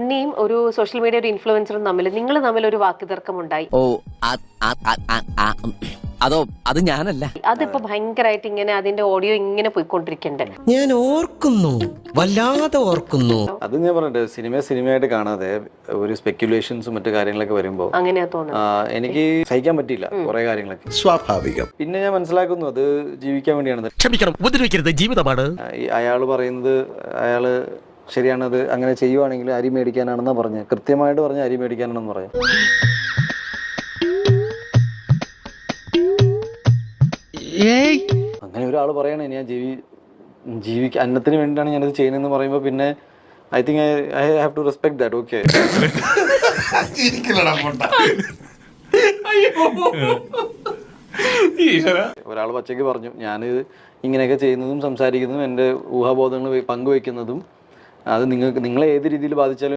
മുന്നേയും ഒരു social media ഒരു ഇൻഫ്ലുവൻസറും നിങ്ങൾ തമ്മിൽ ഒരു വാക്കുതർക്കം ഉണ്ടായി. ഓ അതോ അത് ഞാനല്ല. അതിപ്പോ ഭയങ്കരമായിട്ട് ഇങ്ങനെ അതിന്റെ ഓഡിയോ ഇങ്ങനെ പോയിക്കൊണ്ടിരിക്കണ്ടേ. ഞാൻ ഓർക്കുന്നു, വല്ലാതെ ഓർക്കുന്നു. അത് ഞാൻ പറഞ്ഞിട്ട് സിനിമയായിട്ട് കാണാതെ ഒരു സ്പെക്യുലേഷൻസും മറ്റു കാര്യങ്ങളൊക്കെ വരുമ്പോ അങ്ങനെയാ തോന്നുന്നത്. എനിക്ക് സഹിക്കാൻ പറ്റിയില്ല കുറെ കാര്യങ്ങളൊക്കെ. സ്വാഭാവികം. പിന്നെ ഞാൻ മനസ്സിലാക്കുന്നു അത് ജീവിക്കാൻ വേണ്ടിയാണ്. ക്ഷമിക്കണം, ഉപദ്രവിക്കരുത്, ജീവിതമാണ്. അയാള് പറയുന്നത് അയാള് ശരിയാണത്, അങ്ങനെ ചെയ്യുവാണെങ്കിൽ അരി മേടിക്കാനാണെന്നാ പറഞ്ഞത്. കൃത്യമായിട്ട് പറഞ്ഞ അരി മേടിക്കാനാണെന്ന് പറയാം. അങ്ങനെ ഒരാൾ പറയണേ ഞാൻ ജീവിക്കാൻ അന്നത്തിന് വേണ്ടിയിട്ടാണ് ഞാനത് ചെയ്യുന്നതെന്ന് പറയുമ്പോൾ പിന്നെ I think I have to respect that. Okay, ഒരാൾ പച്ചയ്ക്ക് പറഞ്ഞു ഞാൻ ഇങ്ങനെയൊക്കെ ചെയ്യുന്നതും സംസാരിക്കുന്നതും എൻ്റെ ഊഹാബോധങ്ങൾ പങ്കുവെക്കുന്നതും അത് നിങ്ങളെ ഏത് രീതിയിൽ ബാധിച്ചാലും